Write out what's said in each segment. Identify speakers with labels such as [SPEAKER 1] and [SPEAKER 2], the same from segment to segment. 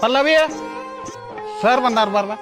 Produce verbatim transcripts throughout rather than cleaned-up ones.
[SPEAKER 1] Pallavi sir ಬಂದಾರ ಬರ್ಲ.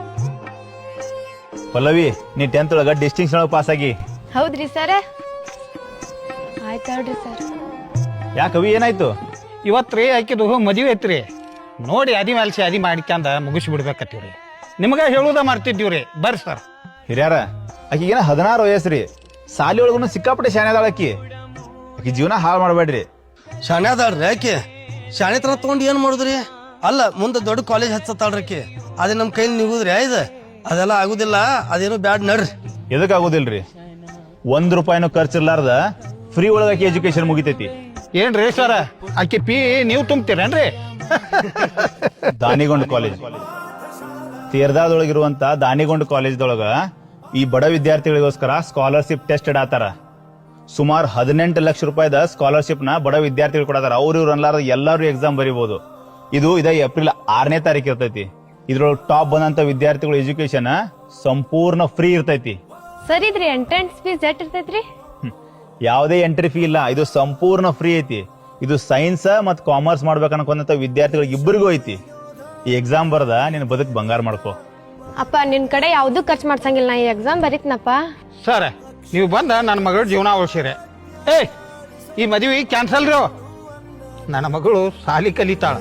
[SPEAKER 2] ಪಲ್ಲವಿ ನೀ ಟೆಂತ್ ಒಳಗ ಡಿಸ್ಟಿಂಕ್ಷನ್ ಒಳಗೆ ಪಾಸ್ ಆಗಿ.
[SPEAKER 3] ಹೌದ್ರಿ ಸರ್, ಆಯ್ತು ಹೇಳ್ರಿ ಸರ್.
[SPEAKER 2] ಯಾಕವಿ ಏನಾಯ್ತು?
[SPEAKER 1] ಇವತ್ತು ರೀ ಆಕಿದು ಮದುವೆ ಐತ್ರಿ, ನೋಡಿ ಅದಿ ಮ್ಯಾಲ್ಸಿ ಅದಿ ಮಾಡ್ಕ್ಯಾಂದ ಮುಗಿಸಿ ಬಿಡ್ಬೇಕತ್ತೀವ್ರಿ. ನಿಮ್ಗೆ ಹೇಳುದ ಮಾಡ್ತಿದ್ದೀವ್ರಿ. ಬರ್ರಿ ಸರ್.
[SPEAKER 2] ಹಿರಿಯಾರ ಆಕಿಗೇನ ಹದಿನಾರು ವಯಸ್ಸ್ರಿ, ಸಾಲಿ ಒಳಗೂ ಸಿಕ್ಕಾಪಟ್ಟೆ ಶಾಣೆ ಅದಾಳ ಆಕಿ. ಆಕಿ ಜೀವನ ಹಾಳು ಮಾಡಬೇಡ್ರಿ.
[SPEAKER 4] ಶಾಣೆ ಅದಾಳ್ರಿ ಆಕೆ. ಶಾಣೆ ತರ ತಗೊಂಡು ಏನ್ ಮಾಡುದ್ರಿ? ಅಲ್ಲ ಮುಂದೆ ದೊಡ್ಡ ಕಾಲೇಜ್ ಹಚ್ಚತ್ತಾಳ್ರಿ ಆಕೆ. ಅದೇ ನಮ್ಮ ಕೈಲಿ ನಿಗುದ್ರಿ ಇದು ಅದೆಲ್ಲ ಆಗುದಿಲ್ಲ. ಅದೇನು ಬ್ಯಾಡ್ ನಡ್ರಿ.
[SPEAKER 2] ಎದಕ್ ಆಗುದಿಲ್ರಿ? ಒಂದ್ ರೂಪಾಯಿನೂ ಖರ್ಚಿರ್ಲಾರ್ದ ಫ್ರೀ ಒಳಗ ಆಕಿ ಎಜುಕೇಶನ್ ಮುಗಿತೈತಿ.
[SPEAKER 1] ಏನ್ರಿ ಸರ್, ಆಕಿ ಪಿ ನೀವು ತುಂಬ್ತೀರೇನ್ರಿ?
[SPEAKER 2] ದಾನಿಗೊಂಡ್ ಕಾಲೇಜ್, ತೀರ್ದಾದೊಳಗಿರುವಂತ ದಾನಿಗೊಂಡ್ ಕಾಲೇಜ್ದೊಳಗ ಈ ಬಡ ವಿದ್ಯಾರ್ಥಿಗಳಿಗೋಸ್ಕರ ಸ್ಕಾಲರ್ಶಿಪ್ ಟೆಸ್ಟ್ ಇಡಾತಾರ. ಸುಮಾರು ಹದಿನೆಂಟು ಲಕ್ಷ ರೂಪಾಯಿದ ಸ್ಕಾಲರ್ಶಿಪ್ ನ ಬಡ ವಿದ್ಯಾರ್ಥಿಗಳು ಕೊಡತಾರ. ಅವ್ರು ಇವ್ರು ಅನ್ಲಾರ್ದ ಎಲ್ಲಾರು ಎಕ್ಸಾಮ್ ಬರೀಬಹುದು. ಇದು ಇದ ಏಪ್ರಿಲ್ ಆರನೇ ತಾರೀಕು ಇರ್ತೈತಿ. ಇದ್ರೊಳಗೆ ಟಾಪ್ ಬಂದಂತ ವಿದ್ಯಾರ್ಥಿಗಳ ಎಜುಕೇಶನ್ ಸಂಪೂರ್ಣ ಫ್ರೀ ಇರ್ತೈತಿ.
[SPEAKER 3] ಸರ್ ಇದ್ರಿ ಎಂಟ್ರೆನ್ಸ್ ಫೀಸ್ ಎಷ್ಟ್ ಇರ್ತೈತ್ರಿ?
[SPEAKER 2] ಯಾವುದೇ ಎಂಟ್ರಿ ಫೀ ಇಲ್ಲ, ಇದು ಸಂಪೂರ್ಣ ಫ್ರೀ ಐತಿ. ಇದು ಸೈನ್ಸ್ ಮತ್ ಕಾಮರ್ಸ್ ಮಾಡ್ಬೇಕು ಅನ್ಕೊಂಡಂತ ವಿದ್ಯಾರ್ಥಿಗಳಿಗೆ ಇಬ್ಬರಿಗೂ ಐತಿ. ಈ ಎಕ್ಸಾಮ್ ಬರದ ನಿನ್ ಬದುಕ್ ಬಂಗಾರ ಮಾಡ್ಕೋ.
[SPEAKER 3] ಅಪ್ಪ ನಿನ್ ಕಡೆ ಯಾವ್ದು ಖರ್ಚು ಮಾಡ್ಸಂಗಿಲ್ಲ, ನಾ ಈ ಎಕ್ಸಾಮ್ ಬರೀತ್ನಪ್ಪ.
[SPEAKER 1] ಸರ್ ನೀವು ಬಂದ ನನ್ನ ಮಗಳ ಜೀವನ ಉಳಿಸಿರಿ. ಏ ಈ ಮದುವೆ ಕ್ಯಾನ್ಸಲ್ ರೀ. ನನ್ನ ಮಗಳು ಸಾಲಿ ಕಲಿತಾಳ.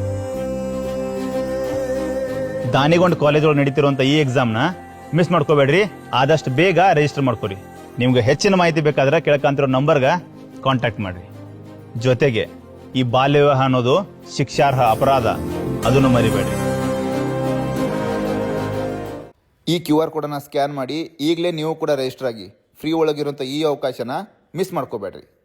[SPEAKER 2] ದಾನಿಗೊಂಡ್ ಕಾಲೇಜ್ ಒಳಗೆ ನಡೀತಿರುವಂತ ಈ ಎಕ್ಸಾಮ್ ನ ಮಿಸ್ ಮಾಡ್ಕೋಬೇಡ್ರಿ. ಆದಷ್ಟು ಬೇಗ ರಿಜಿಸ್ಟರ್ ಮಾಡ್ಕೊರಿ. ನಿಮ್ಗೆ ಹೆಚ್ಚಿನ ಮಾಹಿತಿ ಬೇಕಾದ್ರೆ ಕೆಳಕಂತಿರೋ ನಂಬರ್ಗ ಕಾಂಟ್ಯಾಕ್ಟ್ ಮಾಡ್ರಿ. ಜೊತೆಗೆ ಈ ಬಾಲ್ಯ ವಿವಾಹ ಅನ್ನೋದು ಶಿಕ್ಷಾರ್ಹ ಅಪರಾಧ, ಅದನ್ನು ಮರಿಬೇಡ್ರಿ.
[SPEAKER 5] ಈ ಕ್ಯೂ ಆರ್ ಕೋಡನ್ನು ಸ್ಕ್ಯಾನ್ ಮಾಡಿ ಈಗಲೇ ನೀವು ಕೂಡ ರಿಜಿಸ್ಟರ್ ಆಗಿ. ಫ್ರೀ ಒಳಗಿರುವಂಥ ಈ ಅವಕಾಶನ ಮಿಸ್ ಮಾಡ್ಕೋಬೇಡ್ರಿ.